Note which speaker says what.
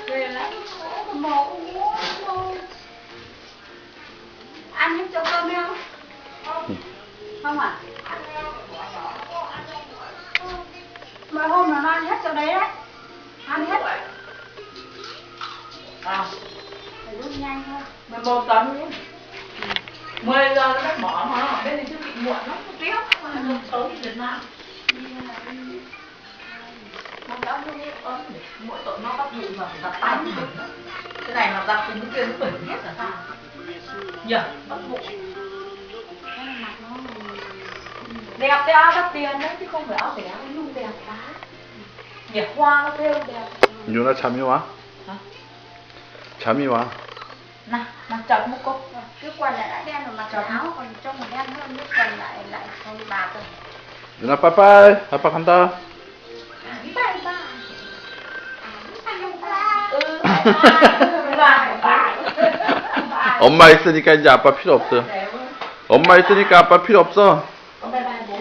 Speaker 1: Về lại mổ ăn hết chỗ cơm không? Không à? Mọi hôm nó ăn hết chỗ đấy đấy. Ăn hết.
Speaker 2: À,
Speaker 1: Phải rút nhanh thôi.
Speaker 2: 11 tấn nhé. 10 giờ nó bắt bỏ mà nó ở bên này chứ bị muộn lắm, nó tiếc mà nó xấu thì Việt Nam. Nó đã mua ớt để mỗi tội nó bắt bụi mà phải giặt tay mới bẩn đó. Cái này mà giặt thì cái kia nó bẩn hết là sao? Nhờ, bắt bụi. Đẹp cái áo đắt tiền đấy chứ không phải áo rẻ, cái nhung đẹp quá. Nhỉ, hoa nó thêu đẹp.
Speaker 3: 누나 잠이 와?
Speaker 2: Hả?
Speaker 3: 잠이 와.
Speaker 2: Nào, mặc chật một cô.
Speaker 1: Cái quần lại đã đen rồi mà cái áo còn trông mà đen hơn, cái quần lại không bạc rồi.
Speaker 3: 누나 빠빠이. 아빠 간다.
Speaker 1: Bye bye.
Speaker 3: 엄마 있으니까 이제 아빠 필요 없어. 엄마 있으니까 아빠 필요 없어.
Speaker 2: Con bye bye bố.